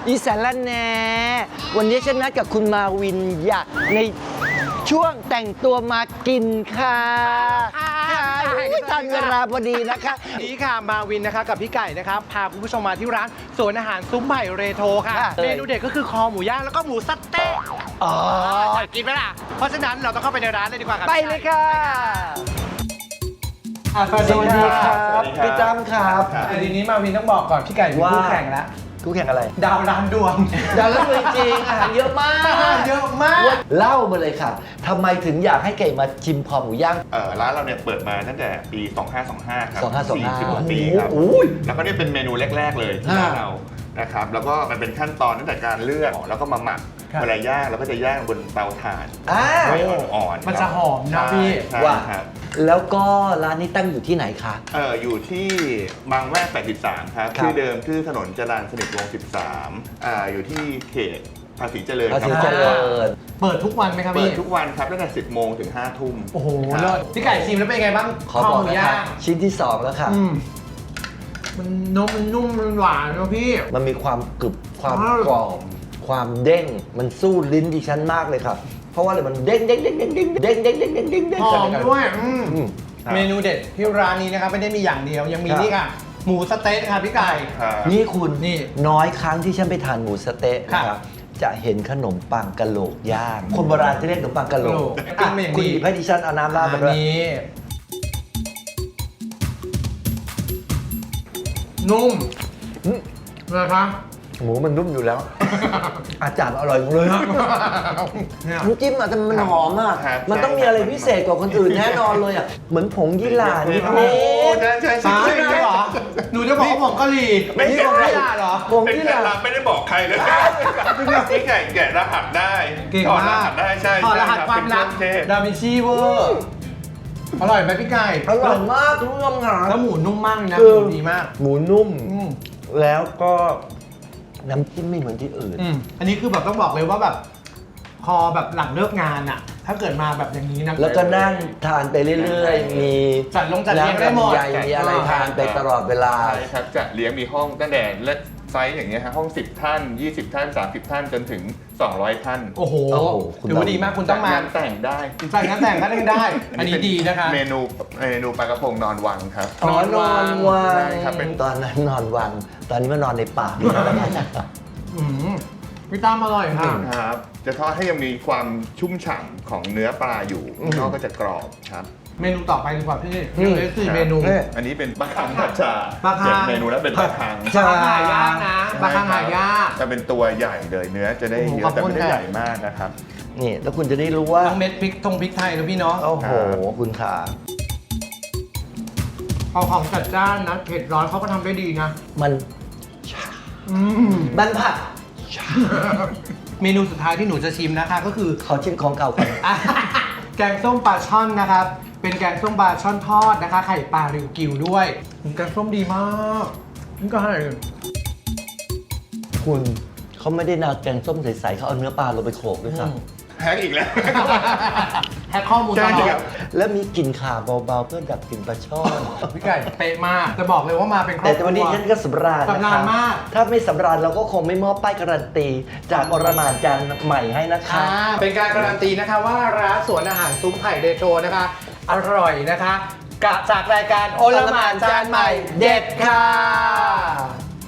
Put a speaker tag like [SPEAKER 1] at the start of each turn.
[SPEAKER 1] อีสานละแหนวันนี้ฉันนัดกับคุณมาวินอยากในช่วงแต่งตัวมากินค่ะทันเวลาพอดีนะคะ
[SPEAKER 2] นี่ค่ะมาวินนะคะกับพี่ไก่นะครับพาคุณผู้ชมมาที่ร้านสวนอาหารซุ้มไผ่เรโทรค่ะเมนูเด็ดก็คือคอหมูย่างแล้วก็หมูสเต๊ะอยากกินไหมล่ะเพราะฉะนั้นเราต้องเข้าไปในร้านเลยดีกว่าครับ
[SPEAKER 1] ไปเลยค่ะสวัสดีครับพี่ตั้มครับ
[SPEAKER 2] ทีนี้มาวินต้องบอกก่อนพี่ไก่มีคู่แข่งแล้ว
[SPEAKER 1] คู่แข่งอะไร
[SPEAKER 2] ดาวร้านดวง
[SPEAKER 1] ดาวแล้วจริงอาหารเยอะมาก
[SPEAKER 2] เยอะมาก
[SPEAKER 1] เล่ามาเลยค่ะทำไมถึงอยากให้ไก่มาชิมคอหมูย่าง
[SPEAKER 3] ร้านเราเนี่ยเปิดมาตั้งแต่ปี 2525 ครับ
[SPEAKER 1] 2525
[SPEAKER 3] ปีครับ
[SPEAKER 1] โอ้ย
[SPEAKER 3] แล้วก็เนี่ยเป็นเมนูแรก ๆ เลยที่ร้านเรานะครับ แล้วก็มันเป็นขั้นตอนตั้งแต่การเลือกแล้วก็มาหมัก
[SPEAKER 2] ครับ
[SPEAKER 3] เวลาย่างเราก็จะย่างบนเตาถ่าน ไฟอ่อนๆ
[SPEAKER 2] มันจะหอมนะ
[SPEAKER 3] ใช่
[SPEAKER 2] พี่
[SPEAKER 3] ใช่
[SPEAKER 1] ว่า
[SPEAKER 3] ครับ
[SPEAKER 1] แล้วก็ร้านนี้ตั้งอยู่ที่ไหนคะ
[SPEAKER 3] อยู่ที่บางแวก 83 ครับ
[SPEAKER 1] ครับ
[SPEAKER 3] ชื่อเดิมชื่อถนนจรัญสนิทวงศ์ 13 อยู่ที่เขตภาษีเจริญ
[SPEAKER 1] ภาษี
[SPEAKER 3] ค
[SPEAKER 1] เจ
[SPEAKER 3] รับ
[SPEAKER 1] ริญ
[SPEAKER 2] เปิดทุกวันไหมครับ
[SPEAKER 3] เปิ
[SPEAKER 2] พี่
[SPEAKER 3] ดทุกวันครับตั้งแต่ 10 โมงถึง 5 ทุ่ม
[SPEAKER 2] โอ้โห
[SPEAKER 3] ครับ
[SPEAKER 2] เลิศพี่ไก่ชิมแล้วเป็นไงบ้าง
[SPEAKER 1] ขอ
[SPEAKER 2] คอ
[SPEAKER 1] บอก
[SPEAKER 2] หมู
[SPEAKER 1] นะ
[SPEAKER 2] ย่า
[SPEAKER 1] คะ
[SPEAKER 2] ง
[SPEAKER 1] ชิ้นที่ 2 แล้วค่ะ
[SPEAKER 2] มันนุ่มมันหวานนะพี่
[SPEAKER 1] มันมีความกรึบความ
[SPEAKER 2] อ้าว
[SPEAKER 1] กรอบความเด้งมันสู้ลิ้นดิฉันมากเลยครับ เพราะว่าอะไรมันเด้งเด้งเด้งเด้งเด้งเด้งเด้งเด้งเด้งเด้งเด้ง
[SPEAKER 2] หอมด้วย
[SPEAKER 3] ครับ
[SPEAKER 2] เมนูเด็ดที่ร้านนี้นะครับไม่ได้มีอย่างเดียวยังมี
[SPEAKER 1] ครับ
[SPEAKER 2] นี่ค่ะหมูสเต๊ะค่ะพี่ไก่
[SPEAKER 3] ครับ
[SPEAKER 1] นี่คุณ
[SPEAKER 2] นี่
[SPEAKER 1] น้อยครั้งที่ฉันไปทานหมูสะเต๊ะนะค
[SPEAKER 2] ครั
[SPEAKER 1] รับบ จะเห็นขนมปังกะโหลกย่าง คนโบราณที่เรียกขนมปังกะโหลก
[SPEAKER 2] ปิ้งมาอย่างดี
[SPEAKER 1] คุณหยิบให้ดิฉันเอาน้ำราด
[SPEAKER 2] อั
[SPEAKER 1] มาน ด้วย
[SPEAKER 2] นี้นุ่ม
[SPEAKER 1] อืม
[SPEAKER 2] เลยคะ
[SPEAKER 1] หมูมันนุ่มอยู่แล้ว อาจารย์อร่อยหมดเลยครับ
[SPEAKER 2] เนี่ย
[SPEAKER 1] น้ำจิ้มอ่ะแต่มันหอมอ่ะ
[SPEAKER 3] ครับ
[SPEAKER 1] มันต้องมีอะไรพิเศษกว่าคนอื่นแน่นอนเลยอ่ะเหมือนผงยี่หร่านิด
[SPEAKER 3] โอ้
[SPEAKER 1] นิด
[SPEAKER 3] ใช่ใช่
[SPEAKER 2] สา
[SPEAKER 3] ใช่
[SPEAKER 2] ใช่เหรอหนูจะบอกว่าผงกะหรี่
[SPEAKER 3] ไม่ใช่
[SPEAKER 2] ผงกะหรี่เหรอ
[SPEAKER 1] ผง
[SPEAKER 3] เป็น
[SPEAKER 1] ยี่
[SPEAKER 3] เค
[SPEAKER 1] ห
[SPEAKER 3] ล็ด
[SPEAKER 1] ร่า
[SPEAKER 3] ลับไม่ได้บอกใครเลยพี่ไก่แกะรหัสได้
[SPEAKER 2] เก่ง
[SPEAKER 3] ถอดร
[SPEAKER 2] มาก
[SPEAKER 3] หัสได้ใช่
[SPEAKER 2] ถอดรหัส
[SPEAKER 3] ใช่
[SPEAKER 2] ความลับ
[SPEAKER 3] เป็นเครื่องเทศ
[SPEAKER 2] ดาวินชีเวอร์อร่อยไหมพี่ไก่
[SPEAKER 1] อร่อยมากคุณผู้ชมค่ะ
[SPEAKER 2] แล้วหมูนุ่มมากเลยนะ
[SPEAKER 1] คือ
[SPEAKER 2] หมูดีมาก
[SPEAKER 1] หมูนุ่ม
[SPEAKER 2] อืม
[SPEAKER 1] แล้วก็น้ำจิ้มไม่เหมือนที่อื่น
[SPEAKER 2] อันนี้คือแบบต้องบอกเลยว่าแบบพอแบบหลังเลิกงานอะถ้าเกิดมาแบบอย่างนี้นะ
[SPEAKER 1] แล้วก็นั่งทานไปเรื่อยๆ มี
[SPEAKER 2] จัดลงจัดเลี้ยงได้หมด
[SPEAKER 1] น้ำลำไยมีอะไรทานไปตลอดเวลา
[SPEAKER 3] ใช่ครับจะเลี้ยงมีห้องตั้งแต่เล็กไซส์อย่างเงี้ยฮะห้อง 10 ท่าน 20 ท่าน 30 ท่านจนถึง 200 ท่าน
[SPEAKER 2] โอ้โห
[SPEAKER 1] โอ้โหคุณ
[SPEAKER 2] ถือว่าดีมากคุณต้องมา
[SPEAKER 3] จัดงานแต่งได้
[SPEAKER 2] ใส่งานแต่งก็ได้ อันนี้ดีนะคะ
[SPEAKER 3] เมนูปลากระพงนอนวังครับ
[SPEAKER 1] อ๋อนอนวั
[SPEAKER 3] ใช่
[SPEAKER 1] ง
[SPEAKER 3] ครับเป็น
[SPEAKER 1] ตอนนั้นนอนวัง ตอนนี้มานอนในป่า
[SPEAKER 2] อืมพี่ตั้มอร่อยค่ะ
[SPEAKER 3] ครับ จะทอดให้ยังมีความชุ่มฉ่ำของเนื้อปลาอยู่นอกก็จะกรอบครับ
[SPEAKER 2] เมนูต่อไปดีกว่าพี่
[SPEAKER 1] อืม
[SPEAKER 2] เหลือ4เมนู
[SPEAKER 1] นี่
[SPEAKER 3] อันนี้เป็นปลาคังผัดชา
[SPEAKER 2] ปลาคัง
[SPEAKER 3] เมนูแล้วเป็นปลาคัง
[SPEAKER 1] ใช่
[SPEAKER 2] ปลาหายากนะปลาคังหายาก
[SPEAKER 3] จะเป็นตัวใหญ่เลยเนื้อจะได้
[SPEAKER 2] โอ้โห
[SPEAKER 3] เยอะแต่
[SPEAKER 2] ขอบคุณ
[SPEAKER 3] ไม่ได้
[SPEAKER 2] ค่ะ
[SPEAKER 3] ใหญ่มากนะครับ
[SPEAKER 1] นี่แล้วคุณจะได้รู้ว่า
[SPEAKER 2] ทั้งเม็ดพริกพริกไทยนะพี่เนาะ
[SPEAKER 1] โอ้โห คุณขา
[SPEAKER 2] พอของจัดจ้านนะเผ็ดร้อนเขาก็ทำได้ดีนะ
[SPEAKER 1] มัน
[SPEAKER 2] อืม
[SPEAKER 1] บันผัด
[SPEAKER 2] เมนูสุดท้ายที่หนูจะชิมนะคะก็คือ
[SPEAKER 1] ขอชิมของเก่าก่อน
[SPEAKER 2] แกงส้มปลาช่อนนะครับ เป็นแกงส้มปลาช่อนทอดนะคะ ไข่ปลาริวกิวด้วยแกงส้มดีมากนี่ก็ให้
[SPEAKER 1] คุณเขาไม่ได้นาแกงส้มใสๆเขาเอาเนื้อปลาลงไปโขลกด้วยครับ
[SPEAKER 3] แฮกอีกแล้ว
[SPEAKER 2] แฮกข้อมูลตลอ
[SPEAKER 3] ใช่ครั
[SPEAKER 2] ด
[SPEAKER 3] บ
[SPEAKER 1] แล้วมีกลิ่นข่าเบาๆเพื่อดับกลิ่นปลาช่อน
[SPEAKER 2] พี่ไก่เป๊ะมาก จะบอกเลยว่ามาเป็นครอบ
[SPEAKER 1] แต่
[SPEAKER 2] ครัว
[SPEAKER 1] วันนี้ฉันก็สำราญนะ
[SPEAKER 2] สำรา
[SPEAKER 1] คะ
[SPEAKER 2] ญมาก
[SPEAKER 1] ถ้าไม่สำราญเราก็คงไม่มอบป้ายการันตี จากอรหมานจานใหม่ให้นะคะ
[SPEAKER 2] เป็นการการันตีนะคะว่าร้านสวนอาหารซุ้มไผ่เดโชนะคะ อร่อยนะคะกะจากรายการโอลหมานจานใหม่เด็ดค่ะ